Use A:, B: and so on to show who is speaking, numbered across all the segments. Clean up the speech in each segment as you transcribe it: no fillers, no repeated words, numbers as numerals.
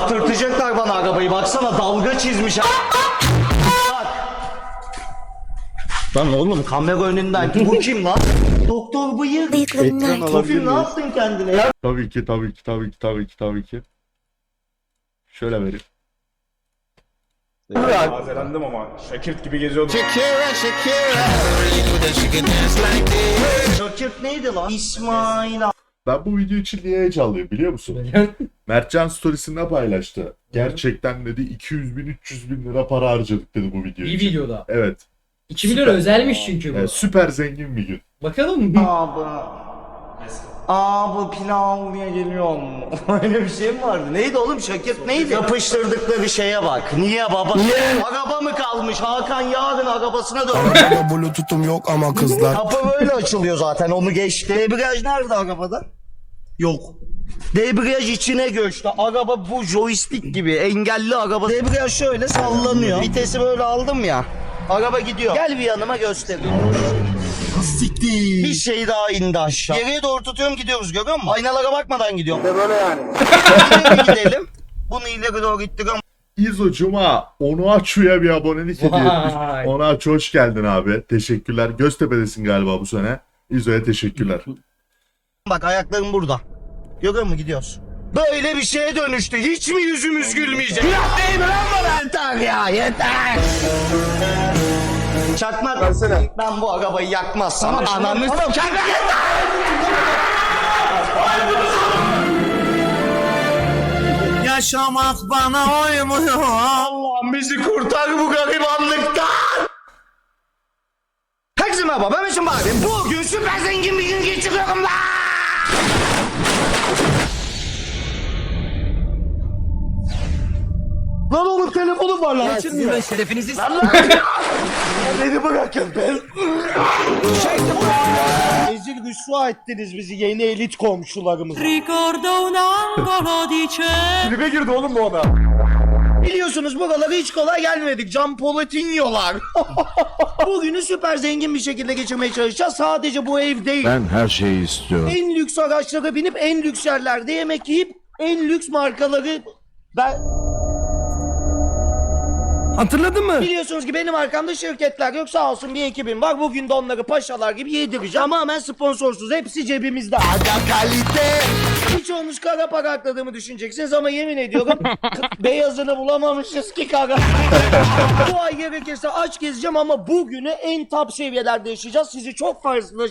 A: Çarptırtacaklar bana arabayı. Baksana dalga çizmiş. Bak. Lan oğlum kamera önünden bu kim lan? Doktor bıyık. Tofil ne yaptın kendine ya?
B: Tabii ki. Şöyle vereyim.
C: Tazelendim ama Şakirt gibi geziyordum.
A: Şakir neydi lan? İsmail abi.
B: Ben bu video için niye heyecanlıyım biliyor musun? Mertcan storiesinde paylaştı. Gerçekten dedi 200 bin 300 bin lira para harcadık dedi bu video
D: İyi
B: için.
D: videoda.
B: Evet.
D: 2 milyon özelmiş çünkü bu.
B: Evet, süper zengin bir gün.
D: Bakalım mı?
A: Abi pilavlıya geliyor mu? Öyle bir şey mi vardı? Neydi oğlum Şakir neydi? Yapıştırdıkları şeye bak. Niye baba? Niye? Araba mı kalmış? Hakan yarın arabasına dön.
E: Arabada bluetooth'um yok ama kızlar.
A: Kapı böyle açılıyor zaten onu geçti. Debriyaj nerede arabada? Yok. Debriyaj içine göçtü. Araba bu joystick gibi engelli araba. Debriyaj şöyle sallanıyor. Vitesi böyle aldım ya. Araba gidiyor. Gel bir yanıma göstereyim.
E: Siktir.
A: Bir şey daha indi aşağı. Geriye doğru tutuyorum gidiyoruz görüyor musun? Aynalara bakmadan gidiyorum.
E: Böyle yani.
A: İleri gidelim. Bunu ileri doğru ittiriyorum.
B: İzo Cuma Onuaçu'ya bir abonelik hediye etmiş.
D: Vay.
B: Onuaçu hoş geldin abi. Teşekkürler. Göztepe'desin galiba bu sene. İzo'ya teşekkürler.
A: Bak ayaklarım burada. Görüyor musun gidiyoruz. Böyle bir şeye dönüştü. Hiç mi yüzümüz gülmeyecek? Günah değil mi lan bana? Yeter ya yeter. Çakmak.
E: Versene.
A: Ben bu arabayı yakmazsam ananı çakmak.
E: Yaşamak bana uymuyor.
A: Allah'ım bizi kurtar bu garibanlıktan. Herkese merhaba ben Metin Bari. Bugün süper zengin bir gün geçiriyorum lan. Lan oğlum telefonum var lan.
D: Açılmıyor. Şerefinizi
A: Beni bırakın ben. Ezil rüsva ettiniz bizi yeni elit komşularımıza.
C: Kulübe girdi oğlum bu adam.
A: Biliyorsunuz buralara hiç kolay gelmedik. Can Poletinyolar. Bugünü süper zengin bir şekilde geçirmeye çalışacağız. Sadece bu ev değil.
E: Ben her şeyi istiyorum.
A: En lüks araçlara binip en lüks yerlerde yemek yiyip en lüks markaları... Ben...
E: Hatırladın mı?
A: Biliyorsunuz ki benim arkamda şirketler yok sağ olsun bir ekibim var. Bugün de onları paşalar gibi yedireceğim. Tamamen sponsorsuz. Hepsi cebimizde. Aga kalite. Birçoğunuz kara para akladığımı düşüneceksiniz ama yemin ediyorum beyazını bulamamışız ki kara. Bu ay gerekirse aç gezeceğim ama bugünü en top seviyelerde yaşayacağız. Sizi çok fazla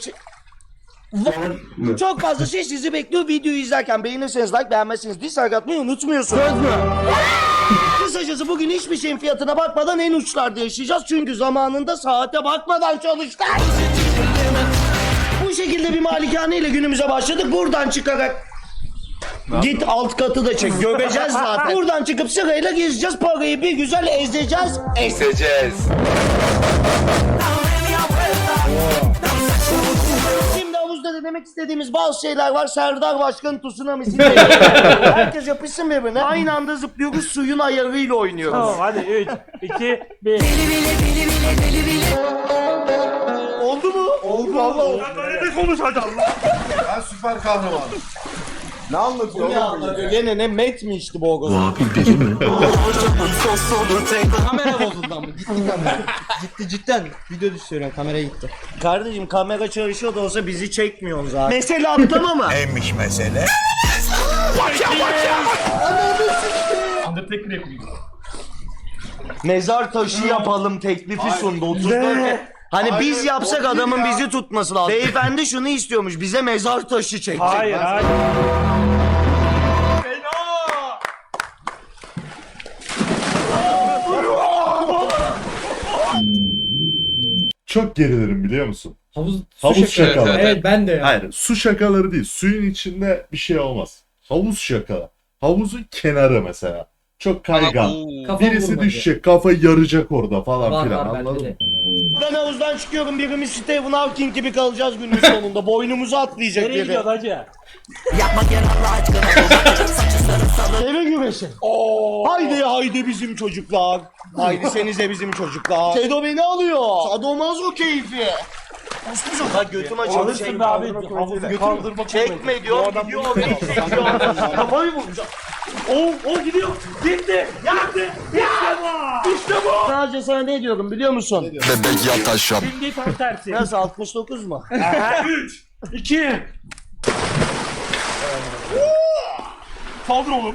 A: çok fazla şey sizi bekliyor. Videoyu izlerken beğenirseniz like, beğenmezseniz dislike atmayı unutmuyorsunuz. Söz mü? Kısacası bugün hiçbir şeyin fiyatına bakmadan en uçlarda yaşayacağız. Çünkü zamanında saate bakmadan çalıştık. Bu şekilde bir malikane ile günümüze başladık. Buradan çıkarak git alt katı da çek. Göbeceğiz zaten. Buradan çıkıp sırayla gezeceğiz. Parayı bir güzel ezeceğiz. Şimdi havuzda da demek istediğimiz bazı şeyler var. Serdar Başkan tsunamisi. Herkes yapışsın birbirine. Aynı anda zıplıyoruz. Suyun ayarıyla oynuyoruz.
C: Tamam hadi 3, 2, 1.
A: Oldu mu? Oldu valla oldu.
C: Böyle de konuş hadi Allah.
E: Ben süper kahramanım. Ne anlatıyor
A: Ne anlatıyor? Gene ne met mi içti bu oğuz?
D: kamera bozuldu ama gitti kamera. Gitti cidden. Video düşüyorum kamera gitti.
A: Kardeşim kamera çalışıyor da olsa bizi çekmiyorsun zaten. Mesele atlama mı?
E: Neymiş mesele?
C: Undertaker yapayım.
A: Mezar taşı yapalım teklifi sundu 34. Hani biz yapsak adamın bizi tutması lazım. Beyefendi şunu istiyormuş bize mezar taşı çekecek.
C: Hayır hayır.
B: Çok gerilirim biliyor musun?
D: Havuz
B: Havuz şakaları.
D: Evet ben de ya.
B: Hayır, su şakaları değil. Suyun içinde bir şey olmaz. Havuz şakaları. Havuzun kenarı mesela. Çok kaygan.
D: Kafam
B: Birisi
D: vurmadı.
B: düşecek, kafa yaracak orada falan
D: Var
B: filan.
D: var bende
B: Anladın
D: de.
B: mı?
A: Ben havuzdan çıkıyorum birimiz Stephen Hawking gibi kalacağız günün sonunda. Boynumuzu atlayacak
C: Nereye
A: biri.
C: gidiyorsun hacı?
A: Eve güreşi. Haydi haydi bizim çocuklar. Haydi senize bizim çocuklar. Sedo beni alıyor. Sadomazo keyfi. Bak götüm açıldı.
C: Alırsın be abi. Kaldırma.
A: Çekme diyor. Gidiyor oraya çekiyor. Kafayı vuracak.
C: O gidiyor. Gitti. Gitti. İşte bu. İşte bu.
A: Sadece sana ne diyorum biliyor musun?
F: Bebek yat aşağı.
C: Şimdi tam tersi.
A: Nasıl 69 mu?
C: 3, 2. Saldır oğlum.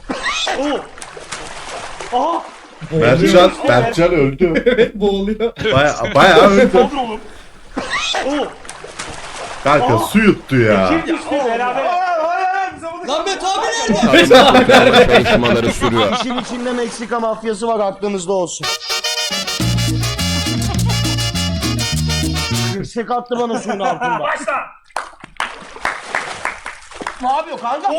C: Aha.
B: Mertcan öldü.
D: Evet boğuluyor.
B: Bayağı öldü.
C: Saldır oğlum.
B: Kanka su yuttu ya.
C: Kim düştü beraber?
D: Lan Beto abi nerede?
F: Çalışmaları sürüyor.
A: İşin içinde Meksika mafyası var aklınızda olsun. Kırsık attı bana suyun altında.
C: Başla.
A: Ne yapıyor kanka?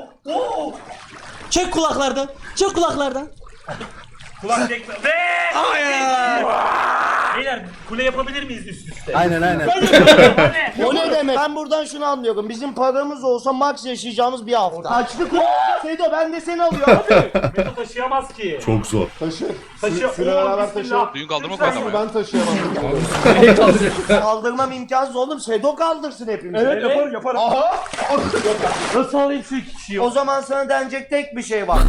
D: Çek kulaklardan. Çek kulaklardan.
C: Kulak çekme. Ve hayır. Beyler kule yapabilir miyiz üst üste?
D: Aynen.
A: O ne demek? Ben buradan şunu anlıyorum. Bizim paramız olsa max yaşayacağımız bir hafta. Açlık Sedo ben de seni alıyorum.
C: Meto taşıyamaz ki.
B: Çok zor.
C: Taşı.
E: Süre beraber taşıyalım.
G: Düğün kaldırma koydu ama.
E: Ben taşıyamam.
A: Kaldırmam imkansız oğlum. Sedo kaldırsın hepimizi.
C: Evet yaparım.
E: Aha!
C: Nasıl alayım şu iki kişiyi?
A: O zaman sana denecek tek bir şey var.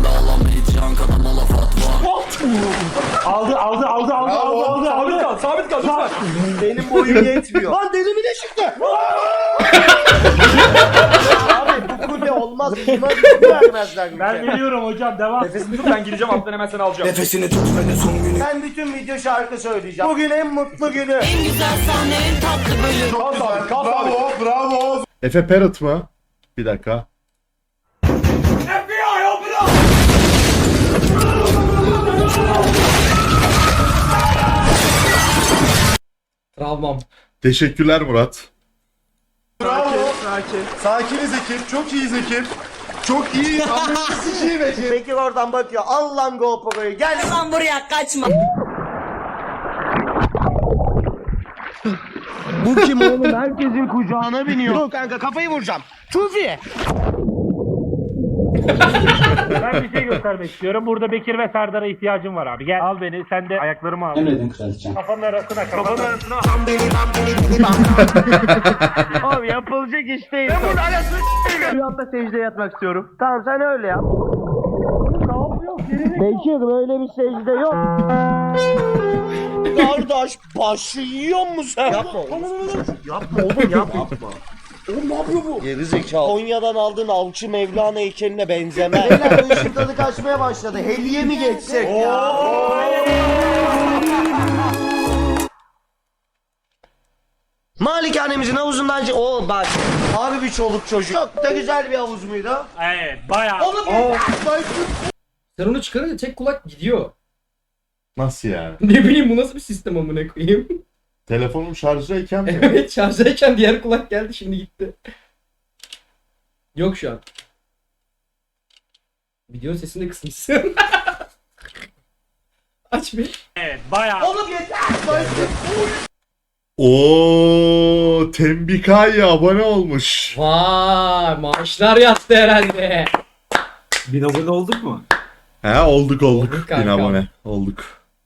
C: Aldı. Sabit kal lütfen.
A: Benim boyum yetmiyor. Lan deli mi de çıktı? Abi bu kule olmaz. Buna bir vermezler bir
C: Ben
A: şey.
C: veriyorum hocam devam. Nefesini tut ben gireceğim alttan hemen seni alacağım.
A: Ben bütün video şarkı söyleyeceğim. Bugün en mutlu günü.
H: En güzel sahne, en tatlı bölüm.
E: Bravo, bravo.
B: Efe Parrot mı? Bir dakika.
D: Travmam.
B: Teşekkürler Murat.
E: Bravo. Sakiniz ekip, çok iyiyiz ekip. Çok iyi, anlayışsız ekip.
A: Bekir oradan bakıyor. Al lan GoPro'yu gel.
H: Lan buraya kaçma.
A: Bu kim oğlum? Herkesin kucağına biniyor. Dur kanka kafayı vuracağım. Tufi.
C: Ben bir şey göstermek istiyorum. Burada Bekir ve Serdar'a ihtiyacım var abi. Gel al beni sen de ayaklarımı al. Emredin kraliçem. Kafanın arasına.
A: Abi yapılacak iş değil. Ben burada arasını rüyamda secdeye yatmak istiyorum. Tamam sen öyle yap. Ne yapıyorsun? Bekir böyle bir secde yok. Kardeş başı yiyor musun sen? Yapma oğlum. Yapma oğlum yapma. Oğlum ne yapıyor bu? Geri zekalı. Konya'dan aldığın Avcı Mevlana heykeline benzemez. Beyler bu işin tadı kaçmaya başladı. Heliye mi geçsek ya? Malikanemizin havuzundan... Oo bak. Abi bir çoluk çocuk. Çok da güzel bir havuz muydu?
C: Evet bayağı.
D: Sen onu çıkarınca tek kulak gidiyor.
B: Nasıl yani?
D: Ne bileyim bu nasıl bir sistem amına koyayım.
B: Telefonum şarjdayken mi?
D: Evet şarjdayken diğer kulak geldi şimdi gitti. Yok şu an. Videonun sesini de kısmışsın. Aç bir.
C: Evet bayağı.
A: Oğlum yeter.
B: Oo, Tembikaya abone olmuş.
D: Vay maaşlar yattı herhalde.
I: 1000 abone olduk mu?
B: He olduk.
D: Olduk
B: 1000
D: kanka.
B: abone. Olduk.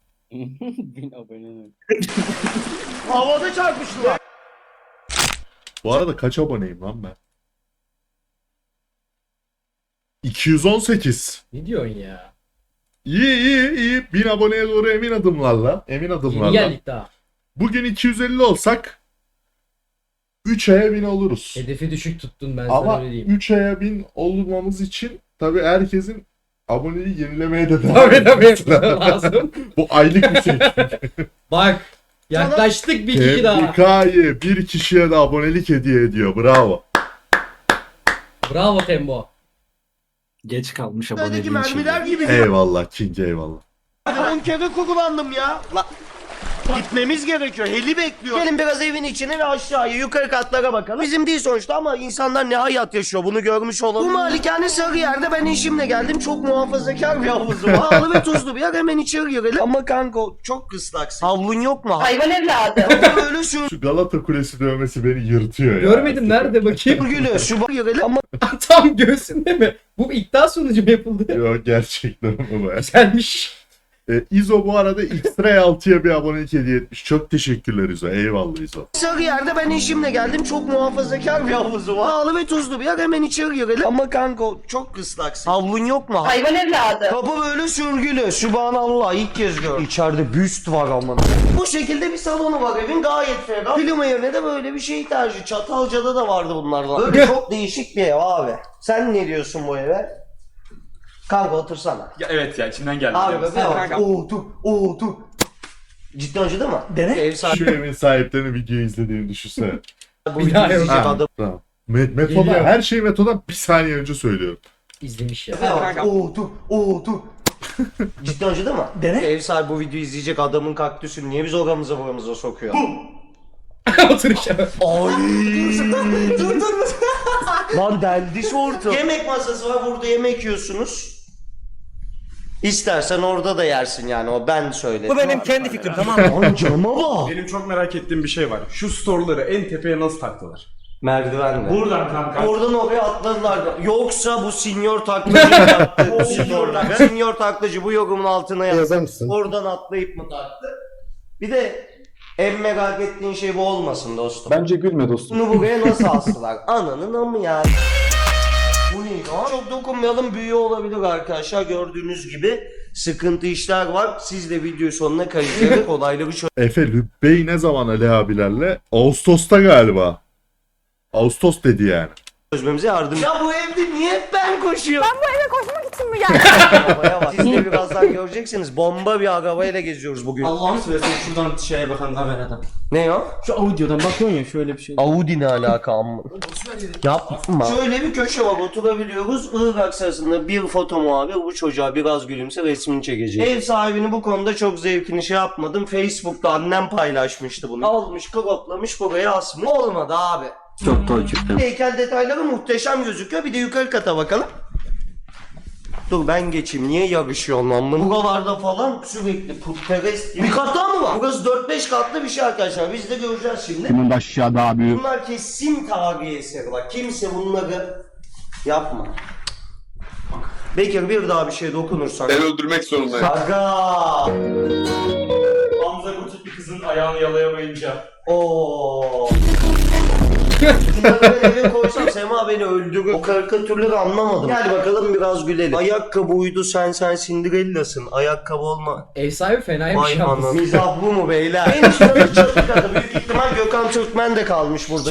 A: Havada çarpıştılar.
B: Bu arada kaç aboneyim lan ben? 218.
D: Ne diyorsun ya?
B: İyi. 1000 aboneye doğru emin adımlarla.
D: Yeni geldik daha.
B: Bugün 250 olsak 3 aya 1000 oluruz.
D: Hedefi düşük tuttun ben sana
B: Ama
D: öyle diyeyim.
B: 3 aya 1000 olmamız için tabii herkesin aboneliği yenilemeye de devam
D: Tabii
B: etmesi
D: tabii
B: lazım.
D: lazım.
B: Bu aylık bir şey.
D: Bak yaklaştık bir kişi daha.
B: Tembikayı bir kişiye de abonelik hediye ediyor. Bravo.
D: Bravo Tembo.
I: Geç kalmış
A: Öteki
I: aboneliğin
A: mermiler
I: şeyi.
A: gibi.
B: Eyvallah King eyvallah.
A: 10 kere kullandım ya. Gitmemiz gerekiyor. Heli bekliyor. Gelin biraz evin içine ve aşağıya yukarı katlara bakalım. Bizim değil sonuçta ama insanlar ne hayat yaşıyor bunu görmüş olalım. Bu malikane Sarıyer'de ben eşimle geldim. Çok muhafazakar bir havuzu var. Pahalı ve tuzlu bir yer. Hemen içeri girelim. Ama kanka çok ıslaksın. Havlun yok mu?
H: Hayvan evladı.
A: Böyle şu
B: Şu Galata Kulesi dövmesi beni yırtıyor ya.
D: Görmedim nerede bakayım.
A: gülü. Şu girelim ama
D: Tam göğsünde mi? Bu iddia sonucu mu yapıldı?
B: Yok gerçekten ama bu.
D: Güzelmiş.
B: İzo bu arada X-Ray 6'ya bir abonelik hediye etmiş. Çok teşekkürler İzo. Eyvallah İzo.
A: Sarıyer'de ben eşimle geldim. Çok muhafazakar bir havuzu var. Pahalı ve tuzlu bir yer. Hemen içeri girelim. Ama kanka çok ıslaksın. Havlun yok mu?
H: Hayvan evladı.
A: Kapı böyle sürgülü. Sübhanallah ilk kez gördüm. İçeride büst var aman. Bu şekilde bir salonu var evin gayet ferah. Klima yerine de böyle bir şey tercih. Çatalca'da da vardı bunlardan. Böyle çok değişik bir ev abi. Sen ne diyorsun bu eve? Kanka otursana.
G: Ya evet ya içimden geldi.
A: Abi be bak. Otur. Ciddi acıdı mı? Dene. Ev sahibi.
B: Şu evin sahiplerinin videoyu izlediğini düşünsene.
A: Bu videoyu izleyecek
B: Ha,
A: adam.
B: tamam. Metoda her şeyi Meto'dan bir saniye önce söylüyorum.
D: İzlemiş ya.
A: Otur. Ciddi acıdı mı? Dene. Ev sahibi bu videoyu izleyecek adamın kaktüsünü niye biz oramıza buramıza sokuyor?
D: Otur işte.
A: Ay. dur. Lan deldi şortu. Yemek masası var burada yemek yiyorsunuz. İstersen orada da yersin yani o ben söyledim.
D: Bu benim kendi fikrim, tamam mı?
A: Lan cama bak.
G: Benim çok merak ettiğim bir şey var. Şu storeları en tepeye nasıl taktılar?
A: Merdivenle.
C: Buradan kanka.
A: Oradan oraya atladılar. Yoksa bu sinyor taklacı mı taktı? Sinyor taklacı bu yorumun altına yazar mısın? Oradan atlayıp mı taktı? Bir de en merak ettiğin şey bu olmasın dostum.
E: Bence gülme dostum.
A: Bunu buraya nasıl astılar? Ananın amı yani. Bu neydi o? Çok dokunmayalım büyüğü olabilir arkadaşlar. Gördüğünüz gibi sıkıntı işler var. Siz de video sonuna kayıtlayarak olayları
B: Efe Lübbe'yi ne zaman Ali abilerle? Ağustos'ta galiba. Ağustos dedi yani.
A: çözmemize yardım. Ya bu evde niye hep ben koşuyorum? Ben bu eve koşmak için mi geldim? Arabaya bak. Siz de birazdan göreceksiniz. Bomba bir arabayla geziyoruz bugün.
D: Allah'ını seversen şuradan şeye bakan kameradan.
A: Ne o?
D: Şu audiodan bakıyorsun ya şöyle bir şey.
A: Audi ne alaka amma? Yapma. Şöyle bir köşe var oturabiliyoruz. Irak sırasında bir foto muhabir bu çocuğa biraz gülümse resmini çekecek. Ev sahibini bu konuda çok zevkini şey yapmadım. Facebook'ta annem paylaşmıştı bunu. Almış, kroplamış, buraya asmış. Olmadı abi.
I: Çok toçuktum.
A: Heykel detayları muhteşem gözüküyor. Bir de yukarı kata bakalım. Dur ben geçeyim. Niye yarışıyorsun lan bunu? Buralarda falan sürekli putperest gibi. Bir kat daha mı var? Burası 4-5 katlı bir şey arkadaşlar. Biz de göreceğiz şimdi.
F: Bunun da aşağı daha büyük.
A: Bunlar kesin tarihi eseri. Bak kimse bunları yapma. Bekir bir daha bir şey dokunursan.
F: Ben öldürmek zorundayım.
A: Aga.
C: Hamza Gutik bir kızın ayağını yalayamayınca.
A: Oo. Bunları ben eve koysam Sema beni öldürür. O karikatürleri anlamadım. Gel bakalım biraz gülelim. Ayakkabı uydu sen Cinderella'sın. Ayakkabı olma.
D: Ev sahibi fenaymış
A: Vay
D: ya.
A: anam. Mizah bu mu beyler? En üstte çatı katı. Büyük ihtimal Gökhan Türkmen de kalmış burada.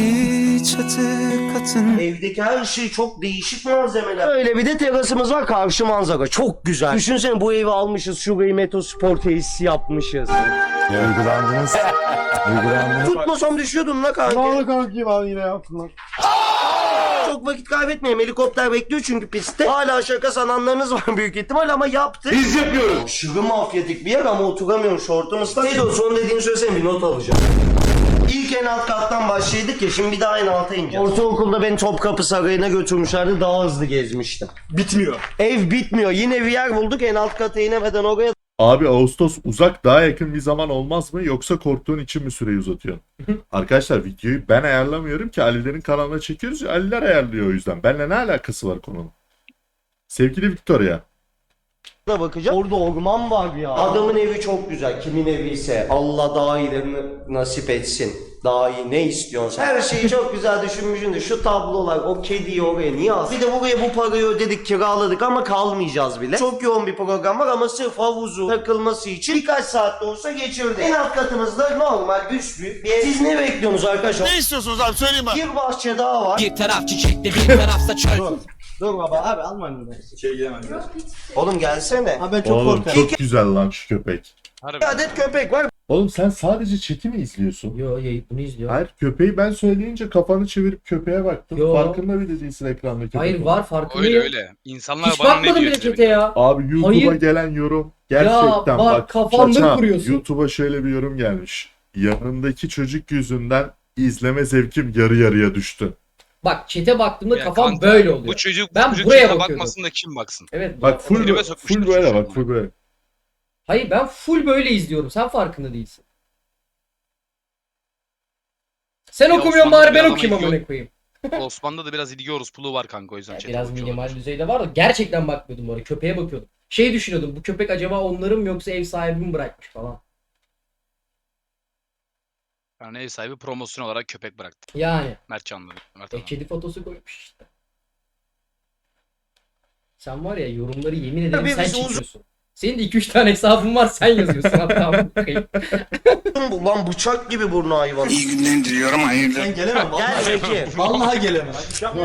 A: Evdeki her şey çok değişik malzemeler. Öyle bir de terasımız var karşı manzara. Çok güzel. Düşünsene bu evi almışız. Şurayı Metospor tesisi yapmışız.
F: Duygulandınız.
A: Tutmasam düşüyordum la kanka.
E: Vallahi kanki bana yine yaptılar.
A: Çok vakit kaybetmeyelim. Helikopter bekliyor çünkü pistte. Hala şaka sananlarınız var büyük ihtimal ama yaptı. Biz yapıyoruz. Aşırı mafyatik bir yer ama oturamıyorum şortum ıslak. Neydi o son dediğini söylesene bir not alacağım. İlk en alt kattan başladık ya şimdi bir daha en alta ineceğiz. Ortaokulda beni Topkapı Sarayı'na götürmüşlerdi daha hızlı gezmiştim.
G: Bitmiyor.
A: Ev bitmiyor yine bir yer bulduk en alt kata inemeden oraya
B: Abi Ağustos uzak daha yakın bir zaman olmaz mı yoksa korktuğun için mi süreyi uzatıyorsun? Arkadaşlar videoyu ben ayarlamıyorum ki Ali'lerin kanalına çekiyoruz ya Ali'ler ayarlıyor o yüzden. Benimle ne alakası var konunun? Sevgili Victoria.
A: da bakacağım. Orada orman var ya. Adamın evi çok güzel. Kimin evi ise Allah daha iyilerini nasip etsin. Daha iyi ne istiyorsun sen? Her şeyi çok güzel düşünmüşsün de şu tablolar o kediyi oraya niye aldın? Bir de buraya bu parayı ödedik kiraladık ama kalmayacağız bile. Çok yoğun bir program var ama sırf havuzu takılması için birkaç saat de olsa geçirdik. En alt katımızda normal büyük bir ev. Siz ne bekliyorsunuz arkadaşlar?
F: Ne istiyorsunuz abi söyleyeyim mi?
A: Bir bahçe daha var.
D: Bir taraf çiçekli bir tarafsa çöl.
A: Dur baba.
D: Abi almayayım ben.
G: Şey gidemem.
A: Oğlum gelsene.
D: Abi ben çok
B: Oğlum
D: korkarım.
B: çok güzel lan şu köpek.
A: Bir adet köpek var.
B: Oğlum sen sadece chat'i mi izliyorsun?
D: Yo bunu izliyor.
B: Hayır köpeği ben söyleyince kafanı çevirip köpeğe baktın.
D: Yo.
B: Farkında bile değilsin ekranda köpek.
D: Hayır
B: olduğunu.
D: var farkındayım.
J: Öyle. İnsanlar
D: Hiç
J: bana ne
D: bakmadım
J: diyor?
D: bile chat'e ya.
B: Abi YouTube'a
D: Hayır.
B: gelen yorum gerçekten
D: bak,
B: bak.
D: kafamda
B: Çaça,
D: kuruyorsun.
B: YouTube'a şöyle bir yorum gelmiş. Yanındaki çocuk yüzünden izleme zevkim yarı yarıya düştü.
D: Bak chat'e baktığımda
J: Ya
D: kafam
J: kanka,
D: böyle oluyor.
J: Bu çocuk,
D: Ben
J: bu çocuk
D: buraya
J: chat'e
D: bakıyordum.
J: bakmasın da kim baksın?
D: Evet.
B: Bak full,
J: Tribe sokmuşlar
B: full böyle
J: çocuğu.
B: bak full böyle.
D: Hayır ben full böyle izliyorum. Sen farkında değilsin. Sen
J: Ya
D: okumuyorsun
J: Osmanlı
D: bari ben
J: biraz
D: okuyayım
J: ama
D: amına koyayım.
J: Osman'da da biraz ilgi orospuluğu var kanka o yüzden. chat'e
D: Biraz
J: bakıyorlar.
D: minimal düzeyde var da gerçekten bakmıyordum oraya. Köpeğe bakıyordum.
J: Şey düşünüyordum, bu köpek acaba onların mı yoksa ev sahibi mi bırakmış falan.
K: Yani ev sahibi promosyon olarak köpek bıraktı.
J: Yani.
K: Mert Canlı. Mert Hanım.
J: Kedi fotosu koymuş işte. Sen var ya yorumları yemin ederim
A: Tabii
J: sen
A: biz
J: çekiyorsun. Senin de 2-3 tane hesabın var sen yazıyorsun hatta.
A: Bu lan bıçak gibi burnu hayvan.
F: İyi günler diliyorum. Hayırlı.
D: Ben gelemem
A: Gel
D: vallahi.
A: Bekir.
D: Vallahi gelemem.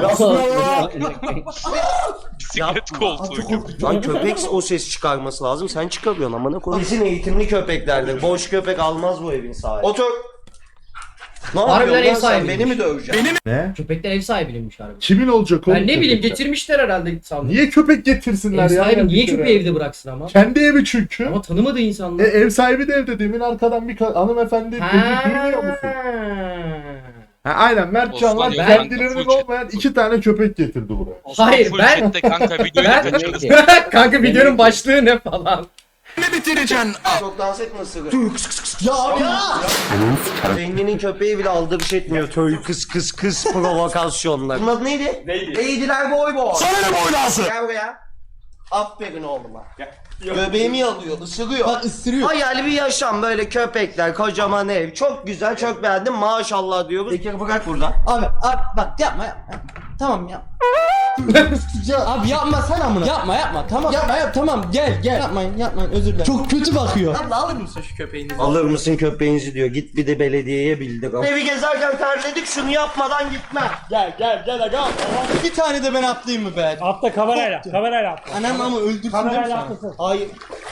K: Bisiklet koltuğu.
A: Lan köpek o ses çıkarması lazım. Sen çıkarıyorsun amına koyayım. Kesin eğitimli köpeklerdir. Boş köpek almaz bu evin sahibi. Otur. Ne
J: Harbiden
A: yapıyorsun
J: ev
A: lan sen?
J: sahibiymiş.
A: Beni mi döveceksin?
B: Ne?
J: Köpekler ev sahibiymiş harbi.
B: Kimin olacak oğlum?
J: Ben ne bileyim
B: köpekler?
J: getirmişler herhalde sandım.
B: Niye köpek getirsinler
J: Ev
B: ya?
J: sahibi niye
B: Bir kere?
J: köpeği evde bıraksın ama?
B: Kendi evi çünkü.
J: Ama tanımadığı insanlar.
B: Ev sahibi de evde. Demin arkadan bir hanımefendi dedi, duymuyor musun? Ha, aynen Mert Canlar
K: Osman
B: kendilerinin
K: Yoldan full
B: olmayan 2 tane köpek getirdi buraya.
J: Hayır, ben-
K: Chatte kanka videoyu
J: Ben
K: kaçırdı.
J: kanka videonun başlığı ne falan.
A: Çok dans etme ısırı.
D: Ya abi ya.
A: Zenginin köpeği bile aldırış etmiyor. Töy kıs provokasyonlar. Bunun adı neydi? Neydi? Eğdiler boy boy.
F: Sana ne boylası?
A: Gel buraya. Aferin oğluma. Göbeğimi yalıyor, ısırıyor.
D: Bak ısırıyor.
A: Hayali bir yaşam böyle köpekler, kocaman ev. Çok güzel, çok beğendim. Maşallah diyoruz. Bekir bırak burada.
D: Abi bak yapma. Tamam ya. Ya abi yapma sen amına. Yapma tamam. Yapma tamam gel. Yapmayın özür dilerim. Çok kötü bakıyor. Abla alır mısın şu köpeğini?
A: Alır mısın köpeğinizi diyor. Git bir de belediyeye bildir. Evi gezerken terledik şunu yapmadan gitme.
D: Gel aga. Bir tane de ben atlayayım mı be?
C: Atla kamerayla atla.
D: Anam ama öldürsün değil mi
C: Kamerayla
D: sana?
C: atlasın.
A: Hayır.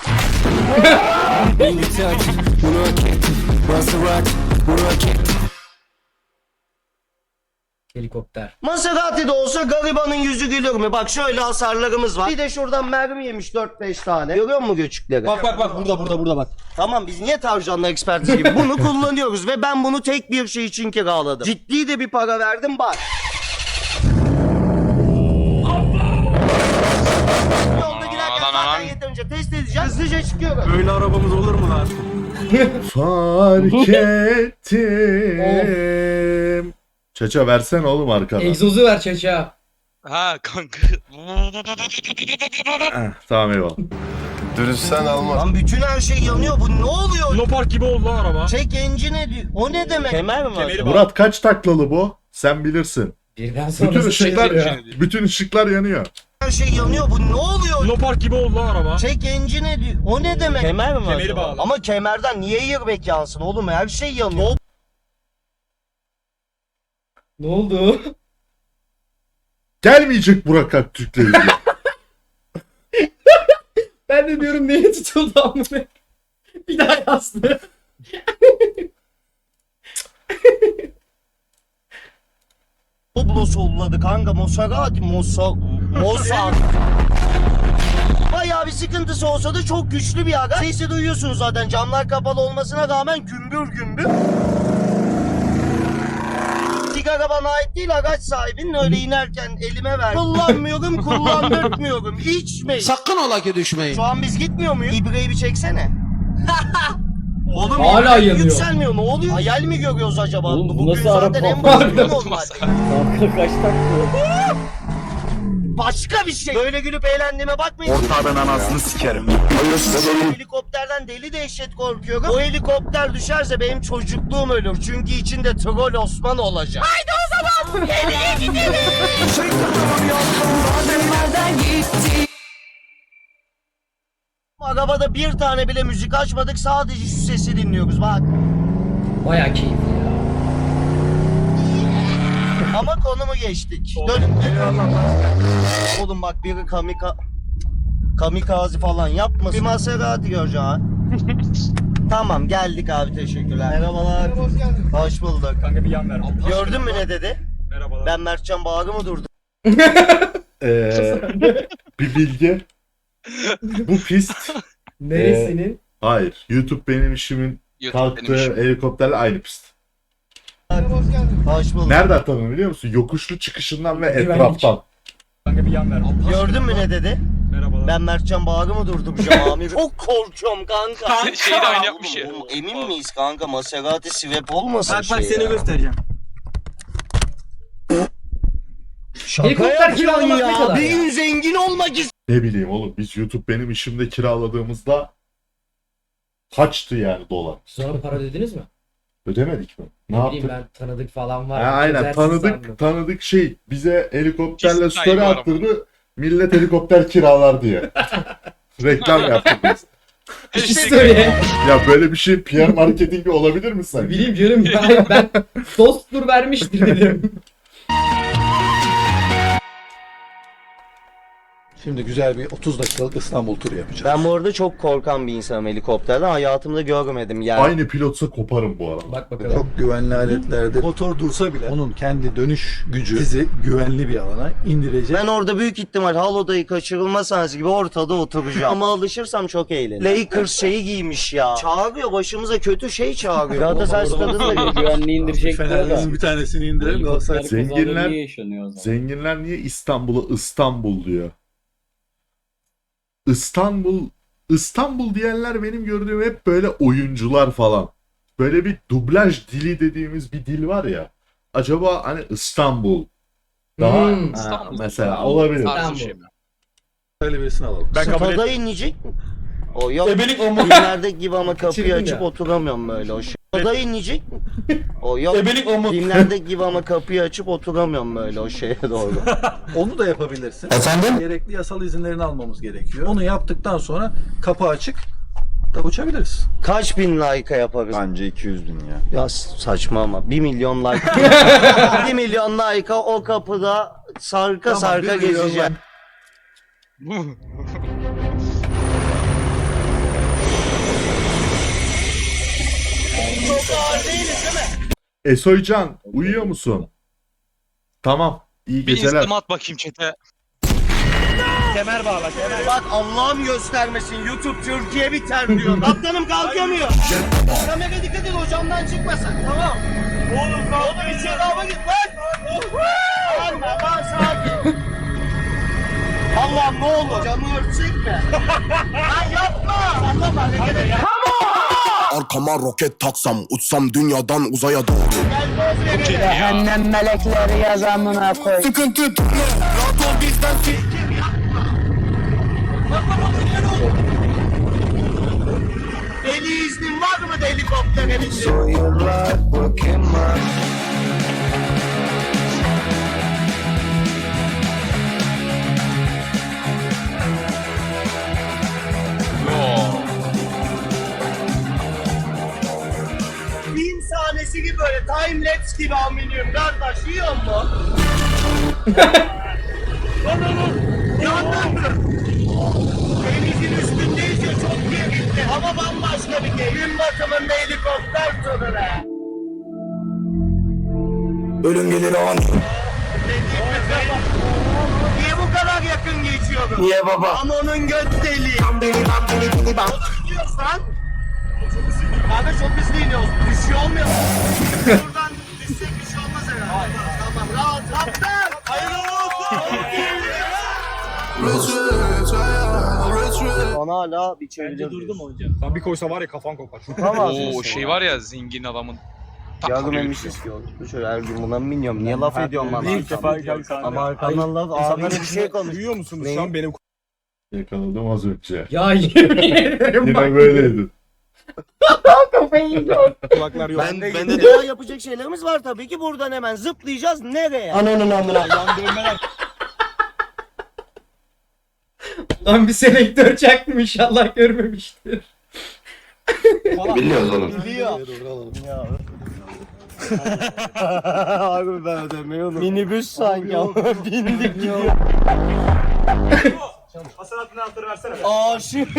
J: Helikopter.
A: Maserati de olsa garibanın yüzü gülür mü? Bak şöyle hasarlarımız var. Bir de şuradan mermi yemiş 4-5 tane. Görüyor musun göçükleri?
D: Bak burada bak.
A: Tamam biz niye tavşanlar ekspertiz gibi bunu kullanıyoruz ve ben bunu tek bir şey için kiraladım. Ciddi de bir para verdim bak. Yolda giderken zaten yeterince test edeceğim. Hızlıca çıkıyorum.
G: Böyle arabamız olur mu lan?
B: Fark ettim. Çaça versen oğlum arkadan.
J: Egzozu ver çaça.
K: Ha kanka.
B: Tamam eyvallah.
F: Dürüstten almaz.
A: Lan bütün her şey yanıyor. Bu ne oluyor?
C: Lopark gibi oldu lan araba.
A: Çek engine diyor. O ne demek? Kemer mi var?
B: Murat kaç taklalı bu? Sen bilirsin.
J: Birden sonra
B: Bütün ışıklar
J: ya.
B: bütün ışıklar yanıyor.
A: Her şey yanıyor. Bu ne oluyor?
C: Lopark gibi oldu lan araba.
A: Çek engine diyor. O ne demek? Kemer mi var?
C: Kemeri bağlı.
A: Ama kemerden niye airbag yansın oğlum? Her şey yanıyor.
J: Ne oldu?
B: Gelmeyecek Burak Aktürk'le ilgili.
J: Ben de diyorum niye tutuldu amına. Bir daha yazdı.
A: Oblo solladı kanka. Mossad. Bayağı bir sıkıntısı olsa da çok güçlü bir aga. Sesi duyuyorsunuz zaten. Camlar kapalı olmasına rağmen gümbür gümbür. Sigara bana ait değil, araç sahibinin öyle inerken elime ver. Kullanmıyorum, kullandırtmıyorum. İçmeyin.
D: Sakın ola ki düşmeyin.
A: Şu an biz gitmiyor muyuz? İbreyi bir çeksene. Oğlum
J: Hala
A: ibre
J: yanıyor.
A: yükselmiyor. Ne oluyor? Hayal mi görüyoruz acaba?
J: Oğlum, bu
A: Bugün
J: nasıl
A: zaten
J: araba?
A: en basit normal.
J: Kaç takıyor?
A: Başka bir şey. Böyle gülüp eğlendiğime bakmayın.
F: Ortadan anasını sikerim.
A: Helikopterden deli dehşet korkuyorum. O helikopter düşerse benim çocukluğum ölür. Çünkü içinde troll Osman olacak. Haydi o zaman. Geriye gidelim. Arabada bir tane bile müzik açmadık. Sadece şu sesi dinliyoruz. Bak.
J: Baya keyifli ya.
A: Ama konumu geçtik. Dön. Oğlum bak biri kamikaze falan yapmasın. Bir Maserati göreceğim ha. Tamam geldik abi teşekkürler. Merhabalar. Hoş geldin. Hoş bulduk.
C: Kanka bir yan ver.
A: Gördün mü ne dedi?
C: Merhabalar.
A: Ben Mertcan Bağrı mı durdum?
B: Bir bilgi. Bu pist
J: Neresinin?
B: hayır. YouTube benim işimin kalktığı helikopterle aynı pist.
A: Hoş bulduk.
B: Nereden tanıdın biliyor musun? Yokuşlu çıkışından ve
J: Güvenlik.
B: etraftan.
C: Kanka bir yan ver.
A: Gördün mü ne dedi?
C: Merhabalar.
A: Ben Mertcan Bağrı mı durdum şu amir? Çok korkuyorum kanka.
K: Şeyi de aynı yapmış ya.
A: Oğlum, emin miyiz kanka? Maserati Swap olmasın
D: Bak
A: şey
D: seni
A: ya.
D: göstereceğim.
A: Şaka
J: Helikopter
A: yapıyorsun
J: kiralamak ne
A: ya.
J: kadar
A: Bir
J: ya?
A: gün zengin olmak istiyorum.
B: Ne bileyim oğlum, biz YouTube benim işimde kiraladığımızda kaçtı yani dolar.
J: Sonra para ödediniz mi?
B: Ödemedik mi? Ne
J: Ne bileyim
B: yaptık?
J: ben tanıdık falan var.
B: Ha, aynen
J: Çözersin sandım.
B: tanıdık şey bize helikopterle
K: Kesin
B: story
K: sahibi var
B: attırdı. Millet helikopter kiralar diye. Reklam yaptık biz.
J: İşte
B: Ya böyle bir şey PR marketingi olabilir mi sanki?
J: bileyim canım ben dosttur vermiştir dedim.
E: Şimdi güzel bir 30 dakikalık İstanbul turu yapacağız.
A: Ben bu arada çok korkan bir insanım helikopterden. Hayatımda görmedim yani.
B: Aynı pilotsa koparım bu arada.
J: Bak bakalım.
E: Çok güvenli aletlerde motor dursa bile onun kendi dönüş gücü sizi güvenli bir alana indirecek.
A: Ben orada büyük ihtimal halodayı kaçırılma sahnesi gibi ortada oturacağım. Ama alışırsam çok eğlenirim. Lakers şeyi giymiş ya. Çağırıyor, başımıza kötü şey çağırıyor. Galatasaray stadında bir
D: Güvenliği indirecek
E: Fenerlerin bir tanesini indirelim Galatasaray.
B: Zenginler niye İstanbul'a İstanbul diyor? İstanbul diyenler benim gördüğüm hep böyle oyuncular falan. Böyle bir dublaj dili dediğimiz bir dil var ya. Acaba hani İstanbul daha ha,
K: İstanbul.
B: mesela olabilir.
K: Tarzı bir şey mi?
E: Öyle birisini alalım.
A: Stada inecek mi? O yok. Filmlerdeki gibi ama kapıyı
J: Kaçırdın
A: açıp
J: ya.
A: oturamıyorum böyle. O stada inecek mi? O yok. Filmlerdeki gibi ama kapıyı açıp oturamıyorum böyle o şeye doğru.
E: Onu da yapabilirsin. Efendim? Gerekli yasal izinlerini almamız gerekiyor. Onu yaptıktan sonra kapı açık da uçabiliriz.
A: Kaç bin like'a yaparız?
F: Bence 200 bin ya.
A: Ya saçma ama 1 milyon like. 1 milyon like'a o kapıda sarka
E: Tamam,
A: sarka
E: 1 milyon
A: gezeceğim. Çok ağır değiliz değil mi?
B: Esoycan uyuyor musun? Tamam. İyi
K: Bir
B: geceler.
K: instagram at bakayım chat'e.
C: Kemer bağla kemer.
A: Bak Allah'ım göstermesin YouTube Türkiye biter diyor. Kaptanım kalkamıyor. Kamera dikkat et hocamdan çıkmasın. Tamam. Oğlum içeri hava git lan. Anla lan sakin. Allah'ım ne olur. Camı örtsek mi? Lan yapma. Sallama hareket et.
F: Arkama roket taksam, uçsam dünyadan uzaya doğru.
H: Cehennem melekleri yazamına koy.
F: Sıkıntı tutma, rahat ol bizden
A: Deli iznin var mı da helikoptere binsin? Film sahnesi gibi böyle time lapse gibi aminim kardeş yiyor mu? Yandan mı? Denizin üstündeyiz ya çok gerildi ama bambaşka bir keyif. Gün batımında helikopter turu be.
F: ölüm gelir an.
A: Niye bu kadar yakın geçiyorum? Niye baba? Ama onun göt deliği. Diyorsan. Kanka çok hızlı iniyoruz. Düşüyor olmuyor mu? Buradan düşsek bir şey olmaz herhalde. Tamam rahat. Kaptan! Hayırlı olsun! Bana hala bir çeviriyor. Durdum hocam.
G: Sen bir koysa var ya kafan kopar.
A: Tamam.
K: Oo şey var ya zengin adamın.
A: Yardım emişiz ki oldu. Şöyle her gün buna mı biniyorum? Niye laf ediyorsun bana?
G: İlk defa geldi.
A: Ama arkandan laf ağzına bir şey konuş.
G: Duyuyor musunuz
A: Neyi?
G: şu an benim
B: Yakaladım az önce.
J: Ya yemin ederim bak.
B: Yine böyleydi.
J: Kafayı yiyor.
G: kulaklar yok.
A: Ben de daha yapacak şeylerimiz var tabii ki. Buradan hemen zıplayacağız. Nereye? Ananın amına.
J: Lan bir selektör çaktım inşallah görmemiştir.
F: Biliyoruz oğlum.
A: Biliyor. Abi ben ödemeyi unuttum. Minibüs sanki ama bindik gidiyor.
C: Hasanatın anahtarı versene.
A: Aşık.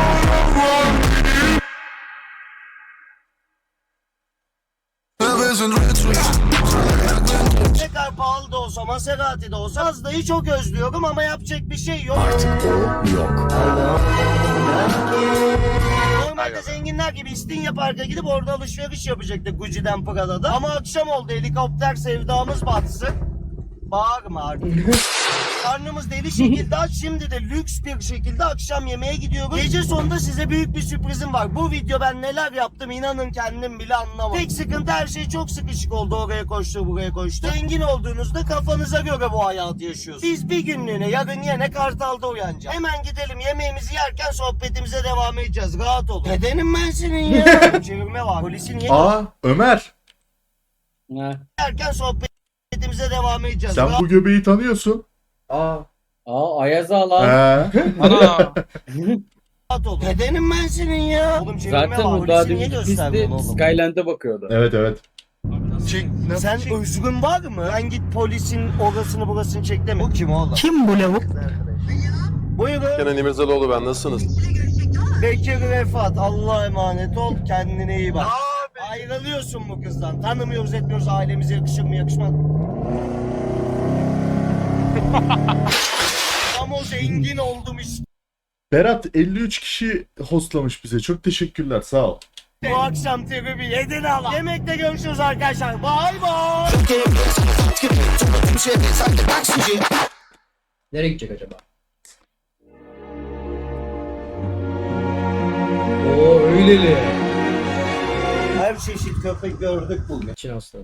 A: Ne kadar pahalı da olsa, Maserati de olsa Mazda'yı çok özlüyorum ama yapacak bir şey yok. Artık o yok. Normalde zenginler gibi İstinye Park'a gidip orada alışveriş yapacaktık Gucci'den Prada'da. Ama akşam oldu helikopter sevdamız batsın. Bağırma artık. Karnımız deli şekilde aç. Şimdi de lüks bir şekilde akşam yemeğe gidiyoruz. Gece sonunda size büyük bir sürprizim var. Bu video ben neler yaptım inanın kendim bile anlamadım. Tek sıkıntı her şey çok sıkışık oldu. Oraya koştu buraya koştu. Zengin olduğunuzda kafanıza göre bu hayatı yaşıyorsunuz. Biz bir günlüğüne yarın yine Kartal'da uyanacağız. Hemen gidelim yemeğimizi yerken sohbetimize devam edeceğiz. Rahat olun. Nedenim ben senin ya. Çevirme var. Polisin niye
B: Ömer,
A: yerken sohbetimize devam edeceğiz.
B: sen bu göbeği tanıyorsun.
D: Ayaz lan.
B: He.
K: Ana.
A: Rahat olun. Nedenim ben senin ya. Oğlum çevirme var. Polisi niye gösterdin oğlum?
D: Skyland'e bakıyordu.
B: Evet evet.
A: Sen özgün var mı? Ben git polisin orasını burasını çek deme. Bu kim oğlum?
H: Kim bu lavuk?
A: Buyurun.
F: Kenan İmirzalıoğlu ben, nasılsınız?
A: Bekir Refat. Allah'a emanet ol. Kendine iyi bak. Ayrılıyorsun bu kızdan. Tanımıyoruz etmiyoruz. Ailemize yakışır mı yakışmaz mı? Ama o zengin oldum işte.
B: Berat 53 kişi hostlamış bize. Çok teşekkürler. Sağ ol.
A: Bu akşam tribi yedin ala. Yemekte görüşürüz arkadaşlar. Bay bay.
J: Nereye gidecek acaba? Oo öyleli.
A: Her çeşit köpek gördük bugün.
J: Çin aslanı.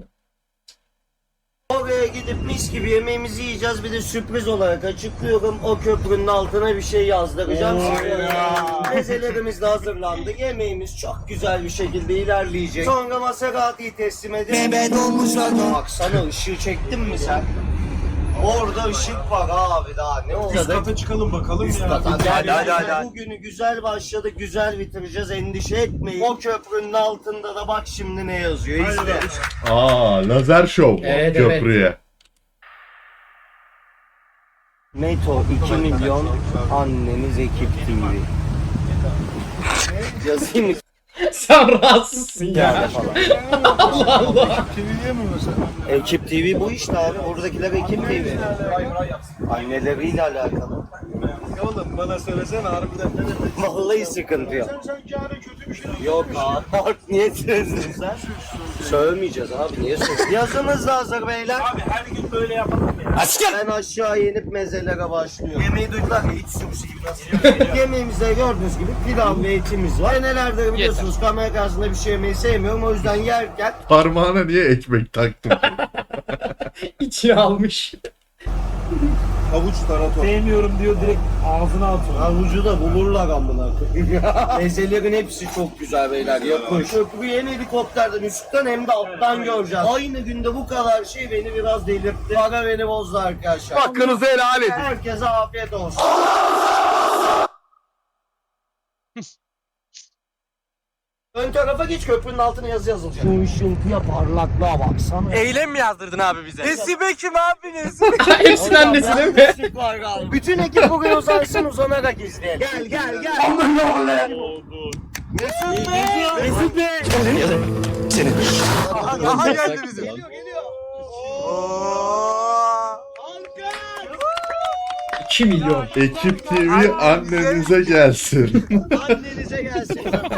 A: Oraya gidip mis gibi yemeğimizi yiyeceğiz. Bir de sürpriz olarak açıklıyorum. O köprünün altına bir şey yazdıracağım. Mezelerimiz de hazırlandı. Yemeğimiz çok güzel bir şekilde ilerleyecek. Sonra Maserati'yi teslim edip... Baksana ışığı çektin mi sen? Orada ışık var abi daha ne oldu?
G: Üst kata çıkalım bakalım
A: Üst
G: ya.
A: kata.
G: Hadi.
A: Bugünü güzel başladık, güzel bitireceğiz. Endişe etmeyin. O köprünün altında da bak şimdi ne yazıyor. İzle.
B: Lazer show
J: Evet,
B: köprüye.
A: Meto 2 milyon anneniz ekip TV. Yazayım mı?
J: Sen rahatsızsın ya.
A: Yani falan.
J: Allah Allah.
A: Ekip TV bu işte abi. Oradakiler Ekip TV. Anneleriyle alakalı.
G: Oğlum bana söylesene harbiden ne demek?
A: Vallahi sıkıntı yok.
G: Sen yani kötü bir şey
A: Yok abi. Bak niye sözdün sen? Sövmeyeceğiz abi. Niye sözdün? Yazınız da hazır beyler.
G: Abi her gün böyle yapalım ya.
A: Ben aşağı inip mezelere başlıyorum. Yemeği duydular ya iç sürüsü gibi nasıl? Yemeğimizde gördüğünüz gibi pilav ve etimiz var. Nelerdir biliyorsunuz kamera karşısında bir şey yemeyi sevmiyorum. O yüzden yerken
B: Parmağına niye ekmek taktın?
J: İçine almış.
G: Havuç tarator.
C: Sevmiyorum diyor direkt ağzına atıyor.
A: havucu da bulurlar amına koyayım. Mezelerin hepsi çok güzel beyler. Yapış. Köprüyü hem helikopterden üstten hem de alttan göreceğiz. Aynı günde bu kadar şey beni biraz delirtti. Para beni bozdu arkadaşlar.
F: Hakkınızı helal edin.
A: Herkese afiyet olsun. Ön tarafa geç köprünün altına yazı yazılacak. Şu ışıltıya parlaklığa baksana.
D: Eylem mi yazdırdın abi bize? Nesibe kim abi
J: Hepsinin annesi değil mi?
A: Bütün ekip bugün uzansın uzanarak izleyelim. Gel gel gel. Mesut Bey. Mesut Bey.
F: Aha geldi bizim.
A: Geliyor geliyor.
J: 2 milyon.
B: Ekip TV annenize gelsin.
A: Annenize gelsin.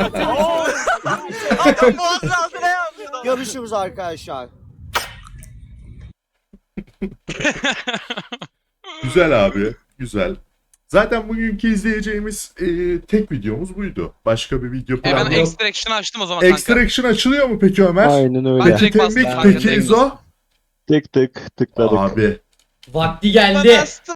A: Görüşürüz arkadaşlar.
B: Güzel abi. Güzel. Zaten bugünkü izleyeceğimiz tek videomuz buydu. Başka bir video
K: Ben
B: planı yok.
K: Extraction açtım o zaman kanka.
B: Extraction açılıyor mu peki Ömer?
L: Aynen öyle.
K: Ben
B: Peki
K: direkt bastım
B: Tembik,
K: kanka,
B: peki
K: direkt
B: İzo?
L: Tek tıkladık.
B: Abi.
J: Vakti geldi.